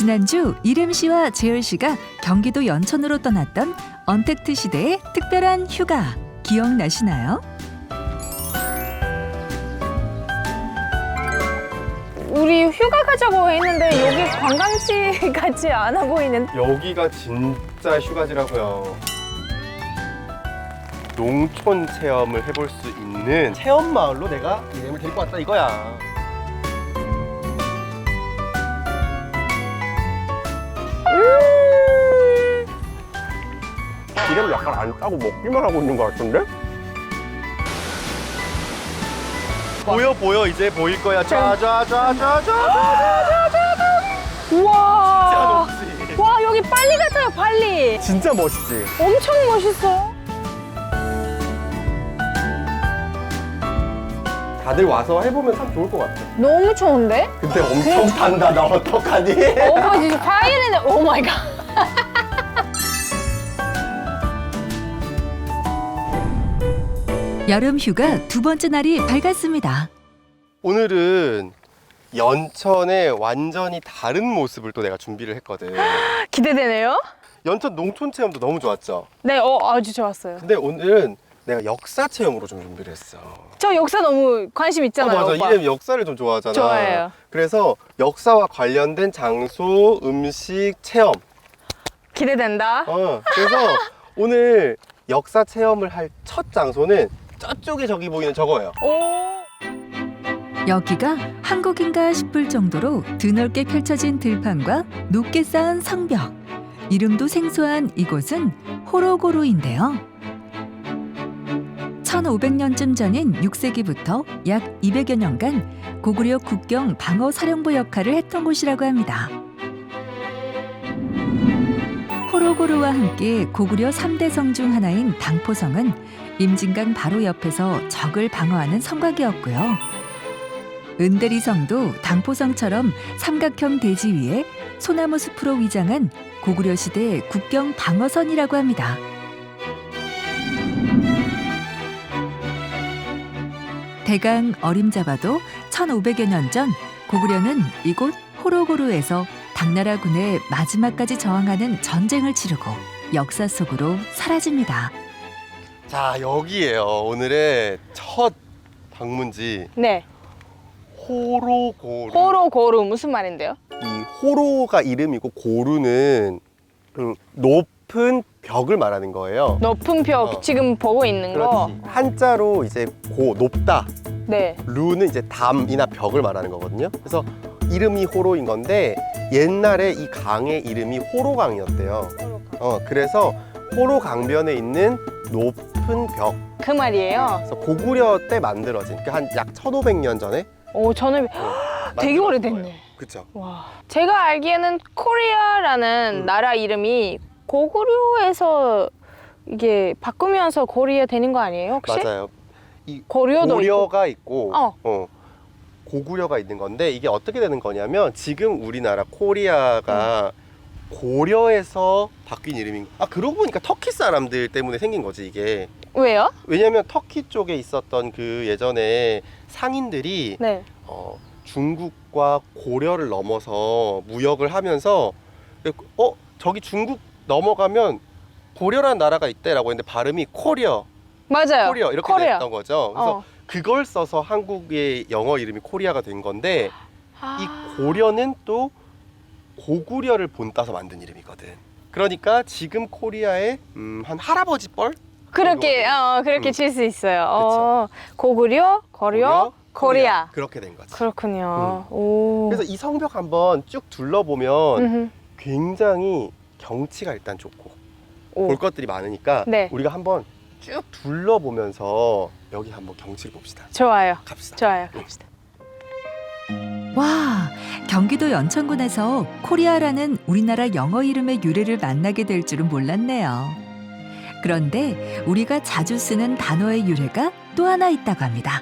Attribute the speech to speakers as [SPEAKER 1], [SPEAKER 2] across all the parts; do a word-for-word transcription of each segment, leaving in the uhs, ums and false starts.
[SPEAKER 1] 지난주 이름 씨와 재열 씨가 경기도 연천으로 떠났던 언택트 시대의 특별한 휴가 기억나시나요?
[SPEAKER 2] 우리 휴가 가자고 했는데 여기 관광지 같지 않아 보이는.
[SPEAKER 3] 여기가 진짜 휴가지라고요. 농촌 체험을 해볼 수 있는 체험 마을로 내가 이름을 데리고 왔다 이거야.
[SPEAKER 2] 음
[SPEAKER 3] 이름을 약간 안 따고 먹기만 하고 있는 것 같은데? 보여 보여 이제 보일 거야. 짜자자자자자자자자.
[SPEAKER 2] 우와.
[SPEAKER 3] 진짜 높지.
[SPEAKER 2] 와 여기 빨리 같아요 빨리.
[SPEAKER 3] 진짜 멋있지.
[SPEAKER 2] 엄청 멋있어.
[SPEAKER 3] 다들 와서 해보면 참 좋을 것 같아.
[SPEAKER 2] 너무 좋은데?
[SPEAKER 3] 근데 엄청 탄다. 나 어떡하니?
[SPEAKER 2] 오 진짜 파이르네. 오 마이 갓.
[SPEAKER 1] 여름 휴가 두 번째 날이 밝았습니다.
[SPEAKER 3] 오늘은 연천의 완전히 다른 모습을 또 내가 준비를 했거든.
[SPEAKER 2] 기대되네요.
[SPEAKER 3] 연천 농촌 체험도 너무 좋았죠?
[SPEAKER 2] 네, 어 아주 좋았어요.
[SPEAKER 3] 근데 오늘은 내가 역사 체험으로 좀 준비를 했어.
[SPEAKER 2] 저 역사 너무 관심 있잖아요.
[SPEAKER 3] 어, 맞아.
[SPEAKER 2] 오빠.
[SPEAKER 3] 이름 역사를 좀 좋아하잖아.
[SPEAKER 2] 좋아해요.
[SPEAKER 3] 그래서 역사와 관련된 장소, 음식, 체험.
[SPEAKER 2] 기대된다.
[SPEAKER 3] 어, 그래서 오늘 역사 체험을 할 첫 장소는 저쪽에 저기 보이는 저거예요.
[SPEAKER 2] 오.
[SPEAKER 1] 여기가 한국인가 싶을 정도로 드넓게 펼쳐진 들판과 높게 쌓은 성벽. 이름도 생소한 이곳은 호로고루인데요. 천오백 년쯤 전인 육 세기부터 약 이백여 년간 고구려 국경 방어 사령부 역할을 했던 곳이라고 합니다. 호로고루와 함께 고구려 삼 대 성 중 하나인 당포성은 임진강 바로 옆에서 적을 방어하는 성곽이었고요. 은대리성도 당포성처럼 삼각형 대지 위에 소나무 숲으로 위장한 고구려 시대 국경 방어선이라고 합니다. 대강 어림잡아도 천오백여 년 전 고구려는 이곳 호로고루에서 당나라군의 마지막까지 저항하는 전쟁을 치르고 역사 속으로 사라집니다.
[SPEAKER 3] 자, 여기에요. 오늘의 첫 방문지
[SPEAKER 2] 네.
[SPEAKER 3] 호로고루.
[SPEAKER 2] 호로고루 무슨 말인데요?
[SPEAKER 3] 이 호로가 이름이고 고루는 그 높은 벽을 말하는 거예요.
[SPEAKER 2] 높은 벽
[SPEAKER 3] 어.
[SPEAKER 2] 지금 보고 있는 거.
[SPEAKER 3] 그렇지. 한자로 이제 고 높다.
[SPEAKER 2] 네.
[SPEAKER 3] 루는 이제 담이나 벽을 말하는 거거든요. 그래서 이름이 호로인 건데 옛날에 이 강의 이름이 호로강이었대요. 어, 그래서 호로 강변에 있는 높은 벽.
[SPEAKER 2] 그 말이에요.
[SPEAKER 3] 그래서 고구려 때 만들어진 그 한 약 천오백 년 전에
[SPEAKER 2] 오 저는 되게
[SPEAKER 3] 만들어진
[SPEAKER 2] 오래됐네.
[SPEAKER 3] 거예요. 그쵸?
[SPEAKER 2] 와. 제가 알기에는 코리아라는
[SPEAKER 3] 음.
[SPEAKER 2] 나라 이름이 고구려에서 이게 바꾸면서 고리아 되는 거 아니에요 혹시?
[SPEAKER 3] 맞아요. 이
[SPEAKER 2] 고려도
[SPEAKER 3] 고려가 있고,
[SPEAKER 2] 어.
[SPEAKER 3] 어, 고구려가 있는 건데 이게 어떻게 되는 거냐면 지금 우리나라 코리아가
[SPEAKER 2] 음.
[SPEAKER 3] 고려에서 바뀐 이름인. 아 그러고 보니까 터키 사람들 때문에 생긴 거지 이게.
[SPEAKER 2] 왜요?
[SPEAKER 3] 왜냐면 터키 쪽에 있었던 그 예전에 상인들이
[SPEAKER 2] 네.
[SPEAKER 3] 어, 중국과 고려를 넘어서 무역을 하면서 어 저기 중국 넘어가면 고려라는 나라가 있대라고 했는데 발음이 코리아,
[SPEAKER 2] 맞아요.
[SPEAKER 3] 코리아 이렇게
[SPEAKER 2] 코리아.
[SPEAKER 3] 됐던 거죠. 그래서
[SPEAKER 2] 어.
[SPEAKER 3] 그걸 써서 한국의 영어 이름이 코리아가 된 건데
[SPEAKER 2] 아.
[SPEAKER 3] 이 고려는 또 고구려를 본따서 만든 이름이거든. 그러니까 지금 코리아의 음, 한 할아버지 뻘?
[SPEAKER 2] 그렇게
[SPEAKER 3] 정도가
[SPEAKER 2] 어 그렇게
[SPEAKER 3] 음.
[SPEAKER 2] 칠 수 있어요. 어, 고구려, 고려, 코리아.
[SPEAKER 3] 그렇게 된 거지.
[SPEAKER 2] 그렇군요. 오.
[SPEAKER 3] 그래서 이 성벽 한번 쭉 둘러보면
[SPEAKER 2] 음흠.
[SPEAKER 3] 굉장히 경치가 일단 좋고
[SPEAKER 2] 오.
[SPEAKER 3] 볼 것들이 많으니까
[SPEAKER 2] 네.
[SPEAKER 3] 우리가 한번 쭉 둘러보면서 여기 한번 경치를 봅시다.
[SPEAKER 2] 좋아요.
[SPEAKER 3] 갑시다.
[SPEAKER 2] 좋아요. 갑시다.
[SPEAKER 1] 와, 경기도 연천군에서 코리아라는 우리나라 영어 이름의 유래를 만나게 될 줄은 몰랐네요. 그런데 우리가 자주 쓰는 단어의 유래가 또 하나 있다고 합니다.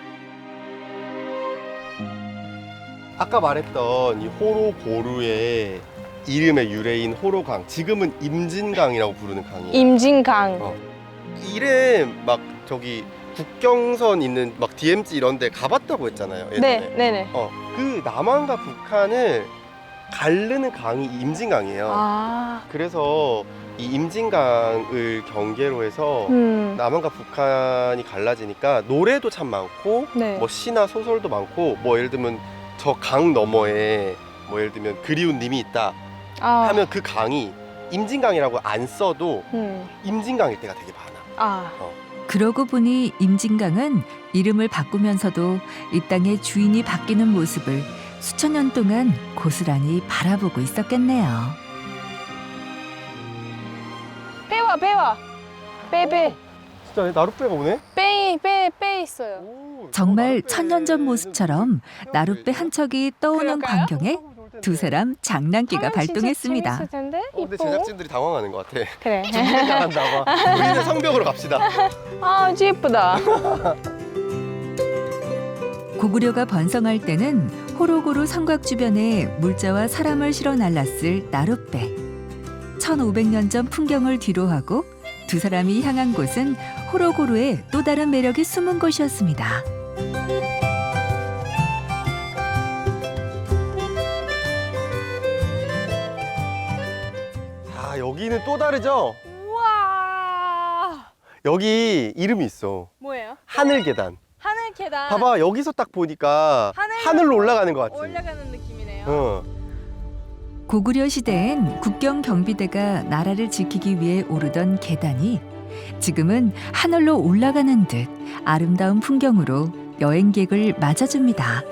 [SPEAKER 3] 아까 말했던 이 호로고루의 이름의 유래인 호로강, 지금은 임진강이라고 부르는 강이에요.
[SPEAKER 2] 임진강.
[SPEAKER 3] 어. 이름 막 저기 국경선 있는 막 디엠지 이런 데 가봤다고 했잖아요. 예전에.
[SPEAKER 2] 네, 네네.
[SPEAKER 3] 어, 그 남한과 북한을 가르는 강이 임진강이에요.
[SPEAKER 2] 아,
[SPEAKER 3] 그래서 이 임진강을 경계로 해서
[SPEAKER 2] 음,
[SPEAKER 3] 남한과 북한이 갈라지니까 노래도 참 많고
[SPEAKER 2] 네.
[SPEAKER 3] 뭐 시나 소설도 많고 뭐 예를 들면 저 강 너머에 뭐 예를 들면 그리운 님이 있다
[SPEAKER 2] 아,
[SPEAKER 3] 하면 그 강이 임진강이라고 안 써도
[SPEAKER 2] 음,
[SPEAKER 3] 임진강일 때가 되게 많아.
[SPEAKER 2] 아,
[SPEAKER 1] 그러고 보니 임진강은 이름을 바꾸면서도 이 땅의 주인이 바뀌는 모습을 수천 년 동안 고스란히 바라보고 있었겠네요.
[SPEAKER 2] 배와 배와 빼빼
[SPEAKER 3] 진짜 나룻배가 오네?
[SPEAKER 2] 빼빼빼 있어요.
[SPEAKER 3] 오,
[SPEAKER 1] 정말
[SPEAKER 3] 나룻배.
[SPEAKER 1] 천년 전 모습처럼 나룻배 한 척이 떠오는
[SPEAKER 2] 그럴까요?
[SPEAKER 1] 광경에 두 사람 장난기가
[SPEAKER 2] 하면 진짜
[SPEAKER 1] 발동했습니다.
[SPEAKER 2] 재밌을 텐데.
[SPEAKER 3] 어, 근데
[SPEAKER 2] 이뻐.
[SPEAKER 3] 제작진들이 당황하는 것 같아.
[SPEAKER 2] 그래.
[SPEAKER 3] 준비를 잘한다 봐. 우리는 성벽으로 갑시다.
[SPEAKER 2] 아, 아주 예쁘다.
[SPEAKER 1] 고구려가 번성할 때는 호로고루 성곽 주변에 물자와 사람을 실어 날랐을 나룻배. 천오백 년 전 풍경을 뒤로하고 두 사람이 향한 곳은 호로고루의 또 다른 매력이 숨은 곳이었습니다.
[SPEAKER 3] 자, 여기는 또 다르죠?
[SPEAKER 2] 우와.
[SPEAKER 3] 여기 이름이 있어.
[SPEAKER 2] 뭐예요?
[SPEAKER 3] 하늘 계단.
[SPEAKER 2] 하늘 계단.
[SPEAKER 3] 봐봐, 여기서 딱 보니까
[SPEAKER 2] 하늘
[SPEAKER 3] 하늘로 올라가는 것 같지?
[SPEAKER 2] 올라가는 느낌이네요.
[SPEAKER 3] 어.
[SPEAKER 1] 고구려 시대엔 국경 경비대가 나라를 지키기 위해 오르던 계단이 지금은 하늘로 올라가는 듯 아름다운 풍경으로 여행객을 맞아줍니다.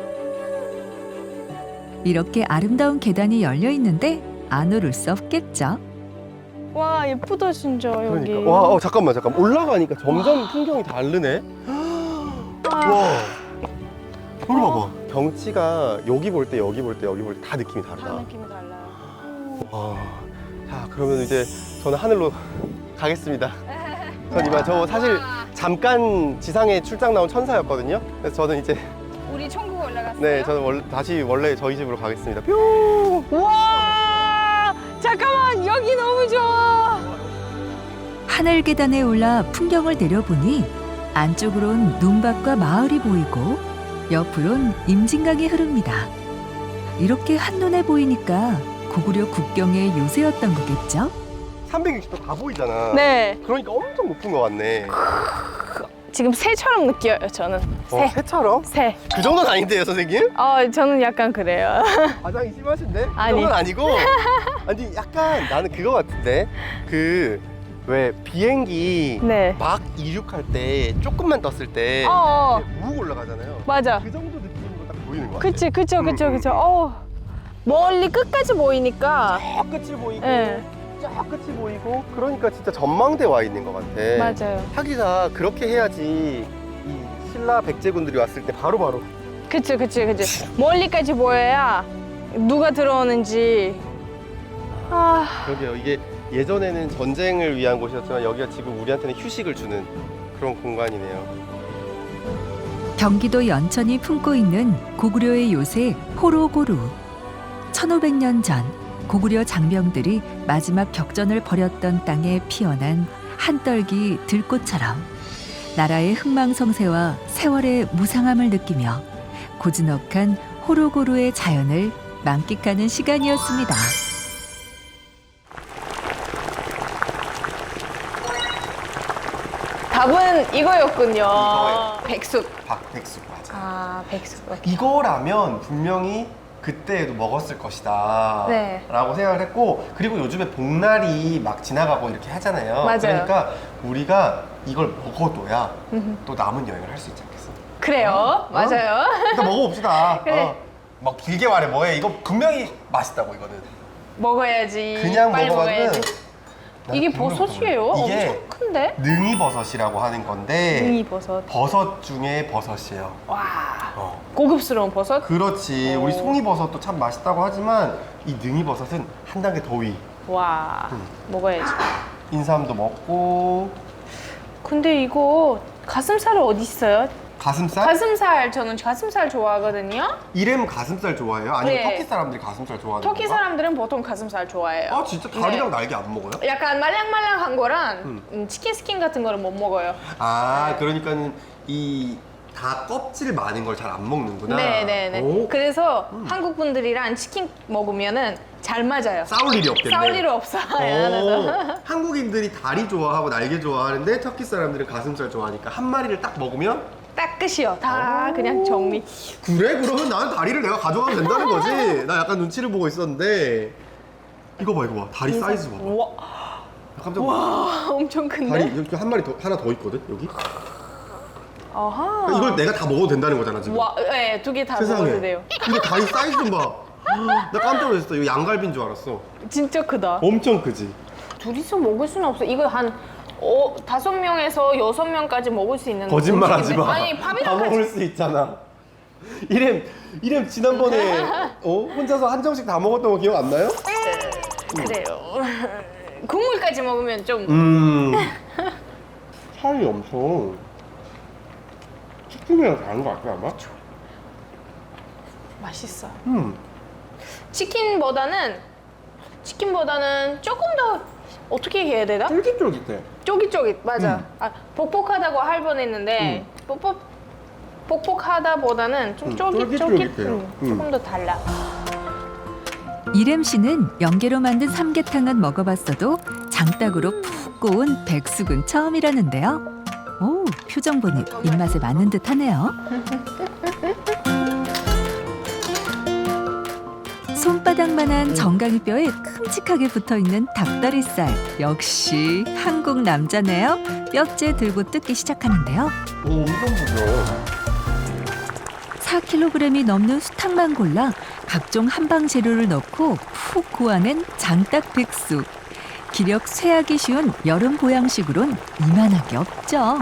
[SPEAKER 1] 이렇게 아름다운 계단이 열려 있는데 안 오를 수 없겠죠.
[SPEAKER 2] 와, 예쁘다 진짜 여기.
[SPEAKER 3] 그러니까. 와, 어, 잠깐만, 잠깐만. 올라가니까 점점 풍경이 다르네. 와. 여기 봐봐. 경치가 여기 볼 때, 여기 볼 때, 여기 볼 때 다 느낌이
[SPEAKER 2] 다
[SPEAKER 3] 다르다.
[SPEAKER 2] 느낌이 달라요.
[SPEAKER 3] 와. 자, 그러면 이제 저는 하늘로 가겠습니다. 전 이만 저 사실 잠깐 지상에 출장 나온 천사였거든요. 그래서 저는 이제
[SPEAKER 2] 우리 천국 올라갔어요.
[SPEAKER 3] 네, 저는 원, 다시 원래 저희 집으로 가겠습니다. 뿅!
[SPEAKER 2] 와, 잠깐만 여기 너무 좋아.
[SPEAKER 1] 하늘 계단에 올라 풍경을 내려보니 안쪽으론 눈밭과 마을이 보이고 옆으론 임진강이 흐릅니다. 이렇게 한눈에 보이니까 고구려 국경의 요새였던 거겠죠?
[SPEAKER 3] 삼백육십 도 다 보이잖아.
[SPEAKER 2] 네,
[SPEAKER 3] 그러니까 엄청 높은 것 같네.
[SPEAKER 2] 지금 새처럼 느껴요 저는.
[SPEAKER 3] 어,
[SPEAKER 2] 새,
[SPEAKER 3] 새처럼?
[SPEAKER 2] 새.
[SPEAKER 3] 그 정도는 아닌데요, 선생님?
[SPEAKER 2] 어, 저는 약간 그래요.
[SPEAKER 3] 과장이 심하신데? 그
[SPEAKER 2] 아니.
[SPEAKER 3] 정도는 아니고. 아니, 약간 나는 그거 같은데. 그, 왜 비행기
[SPEAKER 2] 네.
[SPEAKER 3] 막 이륙할 때 조금만 떴을 때
[SPEAKER 2] 어, 어,
[SPEAKER 3] 욱 올라가잖아요.
[SPEAKER 2] 맞아.
[SPEAKER 3] 그 정도 느낌으로 딱 보이는 것 같아.
[SPEAKER 2] 그치, 그쵸, 그쵸,
[SPEAKER 3] 음,
[SPEAKER 2] 그쵸.
[SPEAKER 3] 음.
[SPEAKER 2] 어, 멀리 끝까지 보이니까.
[SPEAKER 3] 저 끝이 보이고
[SPEAKER 2] 네,
[SPEAKER 3] 저 끝이 보이고 그러니까 진짜 전망대 와 있는 것 같아.
[SPEAKER 2] 맞아요.
[SPEAKER 3] 하기가 그렇게 해야지 이 신라 백제군들이 왔을 때 바로바로
[SPEAKER 2] 그치, 그치, 그치. 멀리까지 보여야 누가 들어오는지. 아,
[SPEAKER 3] 그러게요. 이게 예전에는 전쟁을 위한 곳이었지만 여기가 지금 우리한테는 휴식을 주는 그런 공간이네요.
[SPEAKER 1] 경기도 연천이 품고 있는 고구려의 요새 호로고루. 천오백 년 전 고구려 장병들이 마지막 격전을 벌였던 땅에 피어난 한떨기 들꽃처럼 나라의 흥망성쇠와 세월의 무상함을 느끼며 고즈넉한 호로고루의 자연을 만끽하는 시간이었습니다.
[SPEAKER 2] 답은 이거였군요.
[SPEAKER 3] 이거예요.
[SPEAKER 2] 백숙.
[SPEAKER 3] 박백숙 맞아.
[SPEAKER 2] 아, 백숙.
[SPEAKER 3] 이거라면 분명히 그때에도 먹었을 것이다
[SPEAKER 2] 네.
[SPEAKER 3] 라고 생각을 했고, 그리고 요즘에 복날이 막 지나가고 이렇게 하잖아요.
[SPEAKER 2] 맞아요.
[SPEAKER 3] 그러니까 우리가 이걸 먹어둬야
[SPEAKER 2] 음흠.
[SPEAKER 3] 또 남은 여행을 할 수 있지 않겠어?
[SPEAKER 2] 그래요. 맞아요.
[SPEAKER 3] 일단 먹어봅시다.
[SPEAKER 2] 그래.
[SPEAKER 3] 어. 막 길게 말해 뭐해. 이거 분명히 맛있다고 이거는.
[SPEAKER 2] 먹어야지.
[SPEAKER 3] 그냥
[SPEAKER 2] 빨리
[SPEAKER 3] 먹어봤는데
[SPEAKER 2] 먹어야지.
[SPEAKER 3] 나는
[SPEAKER 2] 이게
[SPEAKER 3] 분명히
[SPEAKER 2] 버섯이에요?
[SPEAKER 3] 먹어봤는데. 이게
[SPEAKER 2] 엄청 큰데?
[SPEAKER 3] 능이버섯이라고 하는 건데
[SPEAKER 2] 능이버섯.
[SPEAKER 3] 버섯 중에 버섯이에요.
[SPEAKER 2] 와,
[SPEAKER 3] 어.
[SPEAKER 2] 고급스러운 버섯?
[SPEAKER 3] 그렇지.
[SPEAKER 2] 오.
[SPEAKER 3] 우리 송이버섯도 참 맛있다고 하지만 이 능이버섯은 한 단계 더 위.
[SPEAKER 2] 와,
[SPEAKER 3] 음.
[SPEAKER 2] 먹어야지.
[SPEAKER 3] 인삼도 먹고.
[SPEAKER 2] 근데 이거 가슴살은 어디 있어요?
[SPEAKER 3] 가슴살?
[SPEAKER 2] 가슴살, 저는 가슴살 좋아하거든요.
[SPEAKER 3] 이름 가슴살 좋아해요? 아니면
[SPEAKER 2] 네.
[SPEAKER 3] 터키 사람들이 가슴살 좋아하는
[SPEAKER 2] 터키
[SPEAKER 3] 건가?
[SPEAKER 2] 사람들은 보통 가슴살 좋아해요.
[SPEAKER 3] 아 진짜 다리랑
[SPEAKER 2] 네.
[SPEAKER 3] 날개 안 먹어요?
[SPEAKER 2] 약간 말랑말랑한 거랑
[SPEAKER 3] 음.
[SPEAKER 2] 음, 치킨 스킨 같은 거는 못 먹어요.
[SPEAKER 3] 아
[SPEAKER 2] 네.
[SPEAKER 3] 그러니까는 이 다 껍질 많은 걸 잘 안 먹는구나.
[SPEAKER 2] 네네네.
[SPEAKER 3] 오,
[SPEAKER 2] 그래서
[SPEAKER 3] 음.
[SPEAKER 2] 한국 분들이랑 치킨 먹으면은 잘 맞아요.
[SPEAKER 3] 싸울 일이 없겠네.
[SPEAKER 2] 싸울 일 없어요.
[SPEAKER 3] 오, 한국인들이 다리 좋아하고 날개 좋아하는데 터키 사람들은 가슴살 좋아하니까 한 마리를 딱 먹으면
[SPEAKER 2] 딱 끝이요. 다
[SPEAKER 3] 오.
[SPEAKER 2] 그냥 정리.
[SPEAKER 3] 그래? 그러면 나는 다리를 내가 가져가도 된다는 거지? 나 약간 눈치를 보고 있었는데 이거 봐 이거 봐 다리 사이즈 봐봐.
[SPEAKER 2] 와,
[SPEAKER 3] 나 깜짝 놀랐어.
[SPEAKER 2] 와 엄청 큰데?
[SPEAKER 3] 다리 여기 한 마리 더 하나 더 있거든 여기.
[SPEAKER 2] 아하.
[SPEAKER 3] 그러니까 이걸 내가 다 먹어도 된다는 거잖아 지금.
[SPEAKER 2] 와, 네, 두 개 다
[SPEAKER 3] 세상에.
[SPEAKER 2] 먹어도 돼요.
[SPEAKER 3] 근데 다리 사이즈 좀 봐. 나 깜짝 놀랐어. 이거 양갈비인 줄 알았어.
[SPEAKER 2] 진짜 크다.
[SPEAKER 3] 엄청 크지?
[SPEAKER 2] 둘이서 먹을 수는 없어. 이거 한 어, 다섯 명에서 여섯 명까지 먹을 수 있는.
[SPEAKER 3] 거짓말 하지 마.
[SPEAKER 2] 아니
[SPEAKER 3] 다
[SPEAKER 2] 밥이랑 같이.
[SPEAKER 3] 먹을 수 있잖아. 이렘 이렘 지난번에 어? 혼자서 한 점씩 다 먹었던 거 기억 안 나요?
[SPEAKER 2] 그래요. 국물까지 먹으면 좀.
[SPEAKER 3] 음. 살이 엄청 치킨이랑 다른 거 같아 아마?
[SPEAKER 2] 맛있어.
[SPEAKER 3] 음.
[SPEAKER 2] 치킨보다는 치킨보다는 조금 더 어떻게 해야 되나?
[SPEAKER 3] 쫄깃쫄깃해.
[SPEAKER 2] 쫄깃쫄깃 맞아.
[SPEAKER 3] 음.
[SPEAKER 2] 아, 복복하다고 할 뻔했는데 복복 복복하다보다는 좀
[SPEAKER 3] 음,
[SPEAKER 2] 쫄깃쫄깃.
[SPEAKER 3] 쫄깃쫄깃해요.
[SPEAKER 2] 음,
[SPEAKER 3] 음.
[SPEAKER 2] 조금 더 달라.
[SPEAKER 1] 이렘 씨는 연계로 만든 삼계탕은 먹어봤어도 장닭으로 푹 고운 백숙은 처음이라는데요. 오, 표정 보니 입맛에 맞는 듯하네요. 손바닥만한 정강이 뼈에 큼직하게 붙어있는 닭다리살. 역시 한국 남자네요. 뼈째 들고 뜯기 시작하는데요.
[SPEAKER 3] 오 엄청 부드러워.
[SPEAKER 1] 사 킬로그램이 넘는 수탉만 골라 각종 한방 재료를 넣고 푹 고아낸 장닭 백숙. 기력 쇠하기 쉬운 여름 보양식으론 이만한 게 없죠.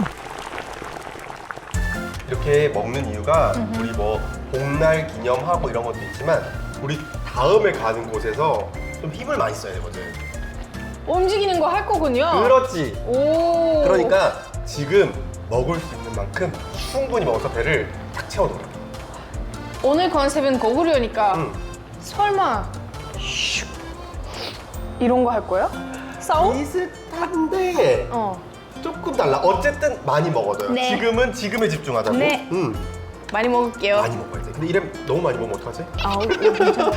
[SPEAKER 3] 이렇게 먹는 이유가 우리 뭐 복날 기념하고 이런 것도 있지만 우리 다음에 가는 곳에서 좀 힘을 많이 써야 되거든.
[SPEAKER 2] 움직이는 거 할 거군요.
[SPEAKER 3] 그렇지.
[SPEAKER 2] 오.
[SPEAKER 3] 그러니까 지금 먹을 수 있는 만큼 충분히 먹어서 배를 탁 채워놓어.
[SPEAKER 2] 오늘 컨셉은 고구려니까
[SPEAKER 3] 응.
[SPEAKER 2] 설마 슉 이런 거 할 거야? 싸움?
[SPEAKER 3] 비슷한데
[SPEAKER 2] 어.
[SPEAKER 3] 조금 달라. 어쨌든 많이 먹어둬요.
[SPEAKER 2] 네.
[SPEAKER 3] 지금은 지금에 집중하자고.
[SPEAKER 2] 네.
[SPEAKER 3] 응.
[SPEAKER 2] 많이 먹을게요.
[SPEAKER 3] 많이 먹어야지. 근데 이름 너무 많이 먹으면 어떡하지?
[SPEAKER 2] 아우, 괜찮아.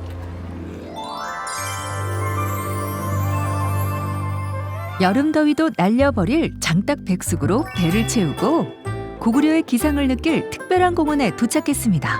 [SPEAKER 1] 여름 더위도 날려버릴 장닭 백숙으로 배를 채우고 고구려의 기상을 느낄 특별한 공원에 도착했습니다.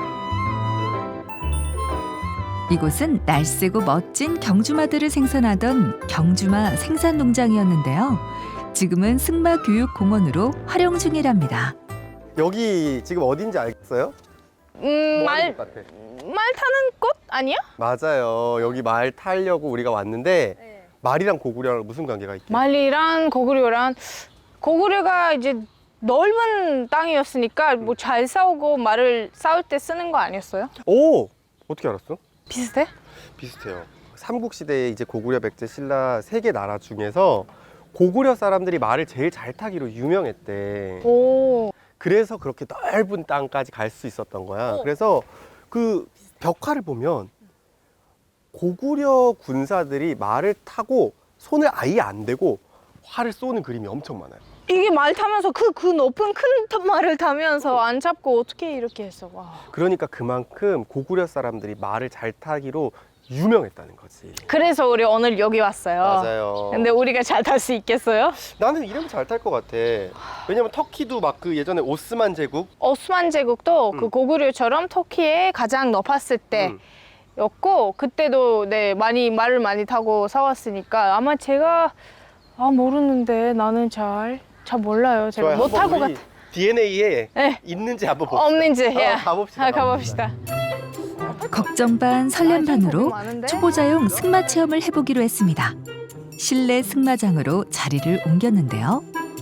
[SPEAKER 1] 이곳은 날쌔고 멋진 경주마들을 생산하던 경주마 생산농장이었는데요. 지금은 승마교육공원으로 활용 중이랍니다.
[SPEAKER 3] 여기 지금 어딘지 알겠어요?
[SPEAKER 2] 음,
[SPEAKER 3] 뭐
[SPEAKER 2] 말,
[SPEAKER 3] 하는 곳 같아?
[SPEAKER 2] 말 타는 곳 아니야?
[SPEAKER 3] 맞아요. 여기 말 타려고 우리가 왔는데 말이랑 고구려랑 무슨 관계가 있게?
[SPEAKER 2] 말이랑 고구려랑 고구려가 이제 넓은 땅이었으니까 뭐 잘 싸우고 말을 싸울 때 쓰는 거 아니었어요?
[SPEAKER 3] 오! 어떻게 알았어?
[SPEAKER 2] 비슷해?
[SPEAKER 3] 비슷해요. 삼국시대에 이제 고구려, 백제, 신라 세 개 나라 중에서 고구려 사람들이 말을 제일 잘 타기로 유명했대.
[SPEAKER 2] 오.
[SPEAKER 3] 그래서 그렇게 넓은 땅까지 갈 수 있었던 거야.
[SPEAKER 2] 어.
[SPEAKER 3] 그래서 그 벽화를 보면 고구려 군사들이 말을 타고 손을 아예 안 대고 활을 쏘는 그림이 엄청 많아요.
[SPEAKER 2] 이게 말 타면서 그, 그 높은 큰 말을 타면서 안 잡고 어떻게 이렇게 했어? 와.
[SPEAKER 3] 그러니까 그만큼 고구려 사람들이 말을 잘 타기로 유명했다는 거지.
[SPEAKER 2] 그래서 우리 오늘 여기 왔어요.
[SPEAKER 3] 맞아요.
[SPEAKER 2] 근데 우리가 잘 탈 수 있겠어요?
[SPEAKER 3] 나는 이러면 잘 탈 것 같아. 왜냐면 터키도 막 그 예전에 오스만 제국
[SPEAKER 2] 오스만 제국도
[SPEAKER 3] 음.
[SPEAKER 2] 그 고구려처럼 터키에 가장 높았을
[SPEAKER 3] 음.
[SPEAKER 2] 때였고 그때도 네 많이 말을 많이 타고 싸웠으니까 아마 제가 아 모르는데 나는 잘 잘 몰라요. 제가
[SPEAKER 3] 좋아요.
[SPEAKER 2] 못
[SPEAKER 3] 한번
[SPEAKER 2] 할 것
[SPEAKER 3] 우리
[SPEAKER 2] 같아.
[SPEAKER 3] 디엔에이에
[SPEAKER 2] 네.
[SPEAKER 3] 있는지 한번 봅시다.
[SPEAKER 2] 없는지 예.
[SPEAKER 3] 어, 가봅시다.
[SPEAKER 2] 아, 가봅시다.
[SPEAKER 1] 걱정 반 설렘 반으로
[SPEAKER 2] 아, 많은데?
[SPEAKER 1] 초보자용 승마 체험을 해보기로 했습니다. 실내 승마장으로 자리를 옮겼는데요.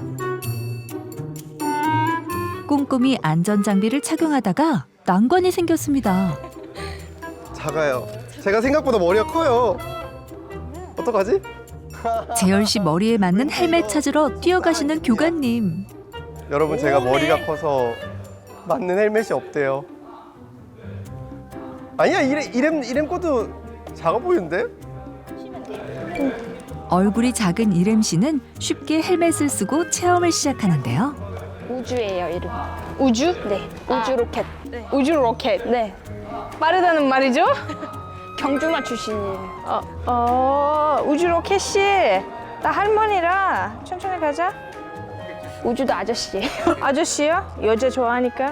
[SPEAKER 1] 꼼꼼히 안전장비를 착용하다가 난관이 생겼습니다.
[SPEAKER 3] 작아요. 제가 생각보다 머리가 커요. 어떡하지?
[SPEAKER 1] 재열 씨 머리에 맞는 헬멧 찾으러 뛰어가시는 교관님.
[SPEAKER 3] 여러분 제가
[SPEAKER 2] 오메.
[SPEAKER 3] 머리가 커서 맞는 헬멧이 없대요. 아니야 이름 이름 이름 것도 작아 보이는데?
[SPEAKER 1] 얼굴이 작은 이렘 씨는 쉽게 헬멧을 쓰고 체험을 시작하는데요.
[SPEAKER 2] 우주예요 이름. 우주?
[SPEAKER 4] 네,
[SPEAKER 2] 아.
[SPEAKER 4] 우주 로켓.
[SPEAKER 2] 우주 로켓.
[SPEAKER 4] 네,
[SPEAKER 2] 빠르다는 말이죠?
[SPEAKER 4] 경주마 출신이에요.
[SPEAKER 2] 어, 어 우주 로켓이 나 할머니라 천천히 가자.
[SPEAKER 4] 우주도 아저씨예요.
[SPEAKER 2] 아저씨요? 여자 좋아하니까.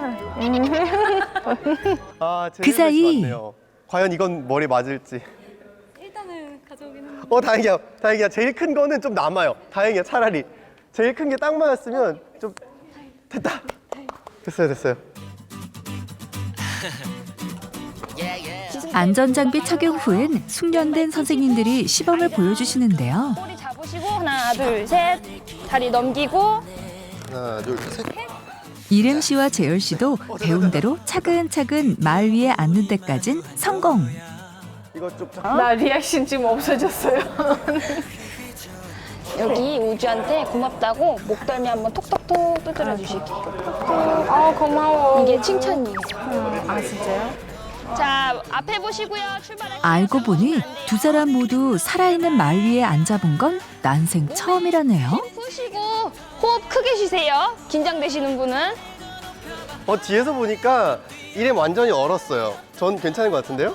[SPEAKER 3] 아,
[SPEAKER 1] 그 사이-
[SPEAKER 3] 맞네요. 과연 이건 머리 맞을지.
[SPEAKER 4] 일단은 가져오기는.
[SPEAKER 3] 어, 다행이야. 다행이야. 제일 큰 거는 좀 남아요. 다행이야. 차라리. 제일 큰 게 딱 맞았으면 좀 됐다. 됐어요, 됐어요.
[SPEAKER 1] 안전장비 착용 후엔 숙련된 선생님들이 시범을 보여주시는데요.
[SPEAKER 4] 꼬리 잡으시고 하나, 둘, 셋. 다리 넘기고.
[SPEAKER 3] 하나, 둘, 셋.
[SPEAKER 1] 이름 씨와 재열 씨도 배운 대로 차근차근 말 위에 앉는 데까진 성공.
[SPEAKER 3] 이거 좀
[SPEAKER 2] 나 리액션 지금 없어졌어요.
[SPEAKER 4] 여기 우주한테 고맙다고 목덜미 한번 톡톡톡 두드려 주실게요.
[SPEAKER 2] 아 고마워.
[SPEAKER 4] 이게 칭찬이에요.
[SPEAKER 2] 아 진짜요?
[SPEAKER 4] 자, 앞에 보시고요. 출발할게요.
[SPEAKER 1] 알고 보니 두 사람 모두 살아있는 말 위에 앉아본 건 난생 처음이라네요.
[SPEAKER 4] 힘 푸시고 호흡 크게 쉬세요. 긴장되시는 분은.
[SPEAKER 3] 어, 뒤에서 보니까 이름 완전히 얼었어요. 전 괜찮은 것 같은데요?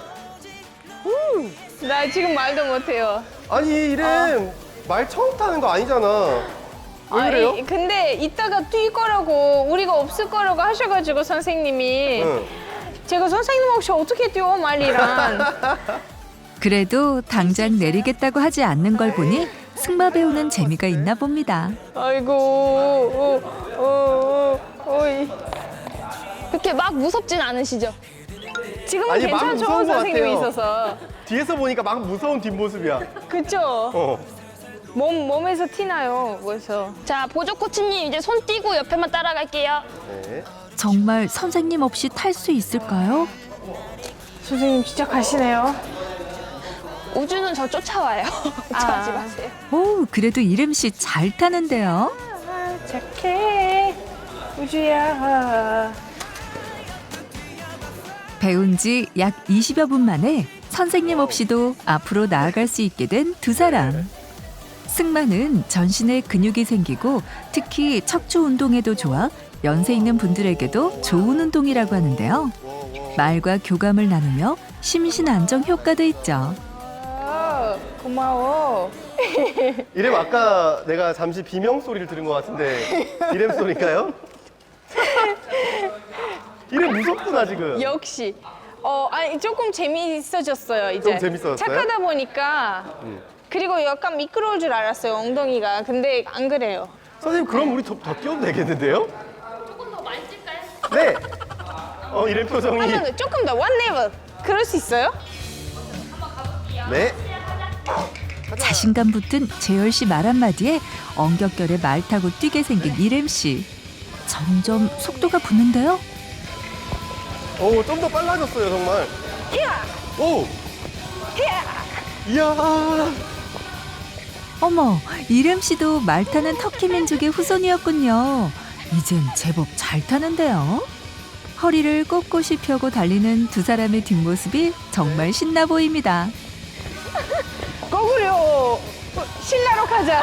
[SPEAKER 2] 나 지금 말도 못해요.
[SPEAKER 3] 아니, 이름 말 처음 타는 거 아니잖아. 왜 그래요?
[SPEAKER 2] 이- 근데 이따가 뛸 거라고 우리가 없을 거라고 하셔가지고 선생님이
[SPEAKER 3] 응.
[SPEAKER 2] 제가 선생님 혹시 어떻게 뛰어 말이란.
[SPEAKER 1] 그래도 당장 내리겠다고 하지 않는 걸 보니 승마 배우는 재미가 있나 봅니다.
[SPEAKER 2] 아이고. 어, 어, 어, 어이.
[SPEAKER 4] 그렇게 막 무섭진 않으시죠?
[SPEAKER 2] 지금은
[SPEAKER 3] 아니, 막
[SPEAKER 2] 괜찮죠
[SPEAKER 3] 무서운 것
[SPEAKER 2] 선생님이
[SPEAKER 3] 같아요.
[SPEAKER 2] 있어서.
[SPEAKER 3] 뒤에서 보니까 막 무서운 뒷모습이야.
[SPEAKER 2] 그쵸?
[SPEAKER 3] 어.
[SPEAKER 2] 몸 몸에서 티나요. 그래서.
[SPEAKER 4] 자, 보조 코치님 이제 손 띄고 옆에만 따라갈게요.
[SPEAKER 3] 네.
[SPEAKER 1] 정말 선생님 없이 탈 수 있을까요?
[SPEAKER 2] 선생님 진짜 가시네요.
[SPEAKER 4] 우주는 저 쫓아와요. 걱정하지 마세요.
[SPEAKER 1] 오, 그래도 이름 씨 잘 타는데요.
[SPEAKER 2] 아, 착해. 우주야.
[SPEAKER 1] 배운 지 약 이십여 분 만에 선생님 없이도 앞으로 나아갈 수 있게 된 두 사람. 승마는 전신에 근육이 생기고 특히 척추 운동에도 좋아 연세 있는 분들에게도 좋은 운동이라고 하는데요. 말과 교감을 나누며 심신 안정 효과도 있죠.
[SPEAKER 2] 아, 고마워.
[SPEAKER 3] 이름 아까 내가 잠시 비명 소리를 들은 것 같은데 이름 소리인가요? 이름 무섭구나 지금.
[SPEAKER 2] 역시. 어, 아니 조금 재미있어졌어요 이제.
[SPEAKER 3] 좀 재밌어졌어요?
[SPEAKER 2] 착하다 보니까.
[SPEAKER 3] 음.
[SPEAKER 2] 그리고 약간 미끄러울 줄 알았어요 엉덩이가. 근데 안 그래요.
[SPEAKER 3] 선생님 그럼 우리 더, 더 뛰어도 되겠는데요?
[SPEAKER 4] 조금 더 만질까요?
[SPEAKER 3] 네. 어 이름 표정이.
[SPEAKER 2] 한 번 더, 조금 더 원 레벨. 그럴 수 있어요?
[SPEAKER 3] 네.
[SPEAKER 1] 자신감 붙은 재열 씨 말 한마디에 엉겹결에 말 타고 뛰게 생긴 이름 씨. 점점 속도가 붙는데요.
[SPEAKER 3] 오, 좀 더 빨라졌어요 정말.
[SPEAKER 2] 야!
[SPEAKER 3] 오. 이야.
[SPEAKER 1] 어머, 이름 씨도 말 타는 터키 민족의 후손이었군요. 이젠 제법 잘 타는데요. 허리를 꼿꼿이 펴고 달리는 두 사람의 뒷모습이 정말 신나 보입니다.
[SPEAKER 2] 거꾸로 어, 신라로 가자.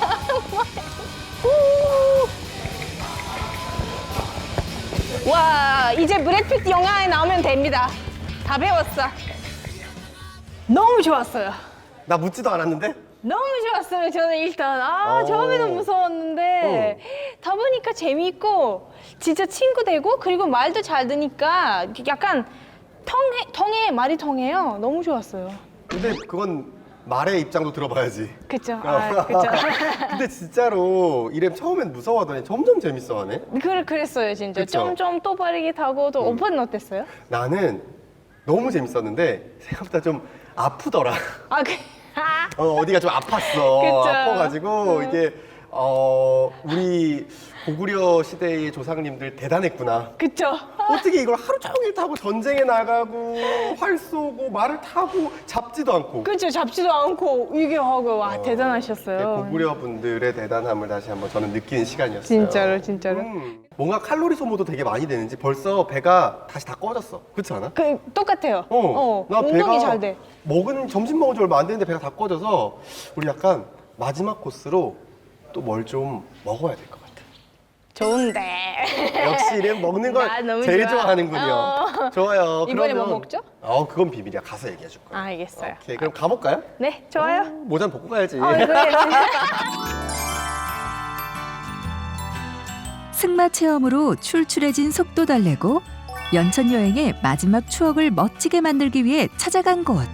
[SPEAKER 2] 우! 와 이제 브래피트 영화에 나오면 됩니다. 다 배웠어. 너무 좋았어요.
[SPEAKER 3] 나 묻지도 않았는데.
[SPEAKER 2] 너무 좋았어요. 저는 일단 아
[SPEAKER 3] 어.
[SPEAKER 2] 처음에는 무서웠는데 다 보니까 재미있고 진짜 친구 되고 그리고 말도 잘 듣니까 약간 통해 통해 말이 통해요. 너무 좋았어요.
[SPEAKER 3] 근데 그건 말의 입장도 들어봐야지.
[SPEAKER 2] 그쵸? 아, 그쵸?
[SPEAKER 3] 근데 진짜로 이름 처음엔 무서워하더니 점점 재밌어하네.
[SPEAKER 2] 그 그랬어요 진짜.
[SPEAKER 3] 그쵸?
[SPEAKER 2] 점점 또 빠르게 타고 또 오빠는 어땠어요?
[SPEAKER 3] 나는 너무 재밌었는데 생각보다 좀 아프더라.
[SPEAKER 2] 아 그. 아,
[SPEAKER 3] 어, 어디가 좀 아팠어.
[SPEAKER 2] 그쵸.
[SPEAKER 3] 아파가지고 이게 어 우리 고구려 시대의 조상님들 대단했구나.
[SPEAKER 2] 그쵸?
[SPEAKER 3] 어떻게 이걸 하루 종일 타고 전쟁에 나가고 활 쏘고 말을 타고 잡지도 않고.
[SPEAKER 2] 그쵸? 잡지도 않고 이게 하고 와
[SPEAKER 3] 어,
[SPEAKER 2] 대단하셨어요.
[SPEAKER 3] 네, 고구려 분들의 대단함을 다시 한번 저는 느끼는 시간이었어요.
[SPEAKER 2] 진짜로 진짜로.
[SPEAKER 3] 음, 뭔가 칼로리 소모도 되게 많이 되는지 벌써 배가 다시 다 꺼졌어. 그렇지 않아?
[SPEAKER 2] 그 똑같아요.
[SPEAKER 3] 어, 나
[SPEAKER 2] 운동이
[SPEAKER 3] 배가
[SPEAKER 2] 잘 돼.
[SPEAKER 3] 먹은 점심 먹은 지 얼마 안 됐는데 배가 다 꺼져서 우리 약간 마지막 코스로 또 뭘 좀 먹어야 될 것 같아.
[SPEAKER 2] 좋은데.
[SPEAKER 3] 역시 이름 먹는 걸
[SPEAKER 2] 나 너무
[SPEAKER 3] 제일
[SPEAKER 2] 좋아.
[SPEAKER 3] 좋아하는군요.
[SPEAKER 2] 어.
[SPEAKER 3] 좋아요.
[SPEAKER 2] 이번에
[SPEAKER 3] 그러면-
[SPEAKER 2] 뭐 먹죠?
[SPEAKER 3] 어, 그건 비밀이야. 가서 얘기해 줄 거야.
[SPEAKER 2] 아, 알겠어요.
[SPEAKER 3] 오케이, 그럼 가볼까요?
[SPEAKER 2] 네, 좋아요.
[SPEAKER 3] 모자는 벗고 가야지.
[SPEAKER 2] 어, 그래.
[SPEAKER 1] 승마 체험으로 출출해진 속도 달래고 연천 여행의 마지막 추억을 멋지게 만들기 위해 찾아간 곳.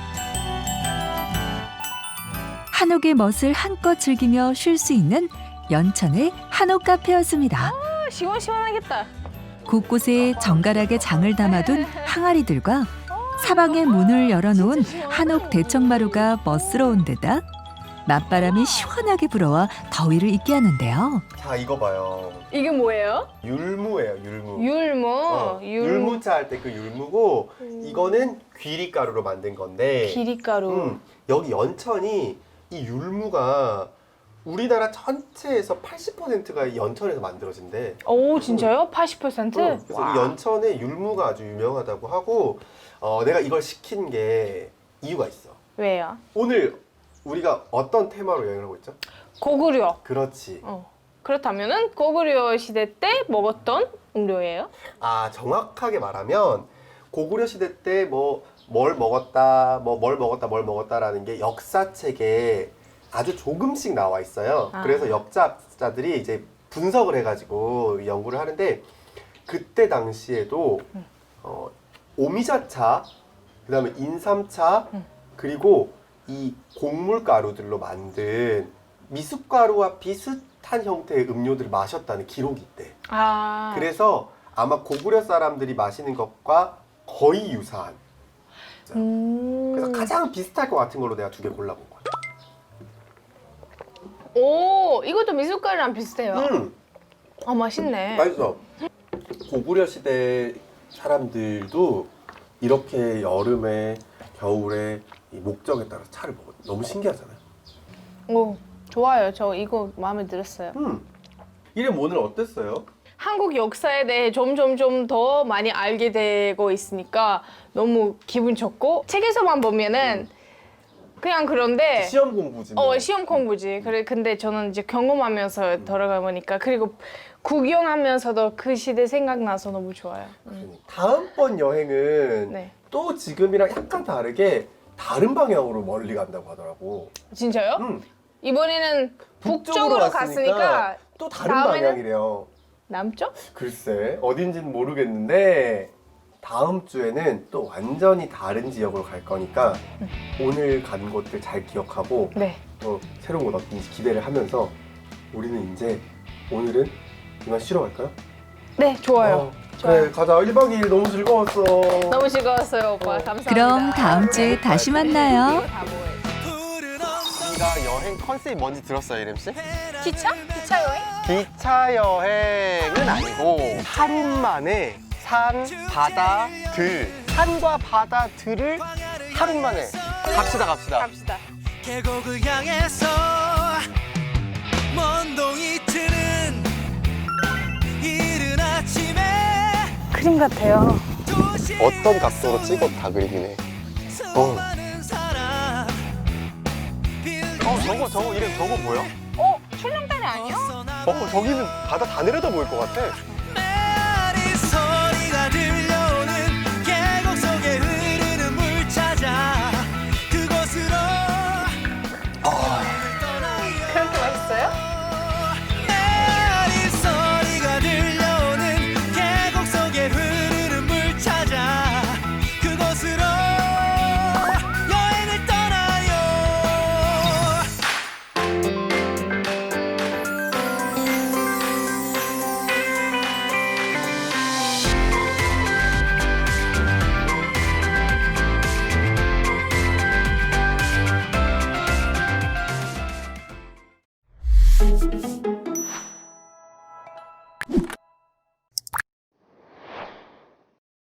[SPEAKER 1] 한옥의 멋을 한껏 즐기며 쉴 수 있는 연천의 한옥 카페였습니다.
[SPEAKER 2] 아, 시원시원하겠다.
[SPEAKER 1] 곳곳에 정갈하게 장을 담아둔 항아리들과 사방에 문을 열어놓은 한옥 대청마루가 멋스러운 데다 맞바람이 시원하게 불어와 더위를 잊게 하는데요.
[SPEAKER 3] 자, 이거 봐요.
[SPEAKER 2] 이게 뭐예요?
[SPEAKER 3] 율무예요, 율무.
[SPEAKER 2] 율무.
[SPEAKER 3] 어,
[SPEAKER 2] 율무.
[SPEAKER 3] 율무차 할 때 그 율무고 이거는 귀리가루로 만든 건데
[SPEAKER 2] 기리가루.
[SPEAKER 3] 음, 여기 연천이 이 율무가 우리나라 전체에서 팔십 퍼센트가 연천에서 만들어진대.
[SPEAKER 2] 오, 진짜요? 팔십 퍼센트?
[SPEAKER 3] 어, 그래서
[SPEAKER 2] 와.
[SPEAKER 3] 이 연천에 율무가 아주 유명하다고 하고 어, 내가 이걸 시킨 게 이유가 있어.
[SPEAKER 2] 왜요?
[SPEAKER 3] 오늘 우리가 어떤 테마로 여행을 하고 있죠?
[SPEAKER 2] 고구려.
[SPEAKER 3] 그렇지.
[SPEAKER 2] 어. 그렇다면은 고구려 시대 때 먹었던 음료예요?
[SPEAKER 3] 아, 정확하게 말하면 고구려 시대 때 뭐 뭘 먹었다, 뭐 뭘 먹었다, 뭘 먹었다라는 게 역사책에 아주 조금씩 나와 있어요.
[SPEAKER 2] 아.
[SPEAKER 3] 그래서 역사자들이 이제 분석을 해가지고 연구를 하는데 그때 당시에도
[SPEAKER 2] 음.
[SPEAKER 3] 어, 오미자차, 그다음에 인삼차,
[SPEAKER 2] 음.
[SPEAKER 3] 그리고 이 곡물 가루들로 만든 미숫가루와 비슷한 형태의 음료들을 마셨다는 기록이 있대.
[SPEAKER 2] 아.
[SPEAKER 3] 그래서 아마 고구려 사람들이 마시는 것과 거의 유사한.
[SPEAKER 2] 음.
[SPEAKER 3] 그래서 가장 비슷할 것 같은 걸로 내가 두 개 골라본 거야.
[SPEAKER 2] 오, 이것도 미숫가루랑 비슷해요.
[SPEAKER 3] 음,
[SPEAKER 2] 아, 맛있네.
[SPEAKER 3] 맛있어. 고구려 시대 사람들도 이렇게 여름에, 겨울에 이 목적에 따라 차를 먹어. 너무 신기하잖아요.
[SPEAKER 2] 오, 좋아요. 저 이거 마음에 들었어요.
[SPEAKER 3] 음, 이름 오늘 어땠어요?
[SPEAKER 2] 한국 역사에 대해 점점 좀 더 많이 알게 되고 있으니까 너무 기분 좋고 책에서만 보면은 그냥 그런데
[SPEAKER 3] 시험 공부지. 뭐.
[SPEAKER 2] 어 시험 공부지. 그래 근데 저는 이제 경험하면서 돌아가 보니까 그리고 구경하면서도 그 시대 생각나서 너무 좋아요. 음.
[SPEAKER 3] 다음번 여행은
[SPEAKER 2] 네.
[SPEAKER 3] 또 지금이랑 약간 다르게 다른 방향으로 멀리 간다고 하더라고.
[SPEAKER 2] 진짜요?
[SPEAKER 3] 음,
[SPEAKER 2] 이번에는 북쪽으로 갔으니까
[SPEAKER 3] 또 다른
[SPEAKER 2] 다음에는?
[SPEAKER 3] 방향이래요.
[SPEAKER 2] 남쪽?
[SPEAKER 3] 글쎄 어딘지는 모르겠는데 다음 주에는 또 완전히 다른 지역으로 갈 거니까 오늘 간 곳들 잘 기억하고
[SPEAKER 2] 네.
[SPEAKER 3] 또 새로운 곳 어딘지 기대를 하면서 우리는 이제 오늘은 이만 쉬러 갈까요?
[SPEAKER 2] 네, 좋아요.
[SPEAKER 3] 어, 그래 가자. 일 박 이 일 너무 즐거웠어.
[SPEAKER 2] 너무 즐거웠어요, 오빠. 감사합니다.
[SPEAKER 1] 그럼 다음 주에 다시 만나요.
[SPEAKER 2] 이거 다 뭐예요?
[SPEAKER 3] 우리가 여행 컨셉이 뭔지 들었어요, 이름 씨?
[SPEAKER 2] 기차? 기차 여행?
[SPEAKER 3] 기차 여행은 아니고 하루 만에 산, 바다, 들 산과 바다, 들을 하루 만에 갑시다 갑시다.
[SPEAKER 2] 갑시다.
[SPEAKER 5] 계곡을 향해서 먼 동이 트는 이른 아침에
[SPEAKER 2] 그림 같아요.
[SPEAKER 5] 도시
[SPEAKER 3] 어떤 각도로 찍어도 다 그리긴 해.
[SPEAKER 5] 수많은 사람
[SPEAKER 3] 어 저거 저거 이름 저거 뭐야?
[SPEAKER 2] 어? 출렁다리 아니야?
[SPEAKER 3] 어 저기는 바다 다 내려다 보일 것 같아.
[SPEAKER 5] 메아리 소리가 들려오는 계곡 속에 흐르는 물 찾아 그곳으로 떠나요.
[SPEAKER 2] 그렇게 맛있어요?
[SPEAKER 5] 메아리 소리가 들려오는 계곡 속에 흐르는 물 찾아 그곳으로 여행을 떠나요.
[SPEAKER 3] 음.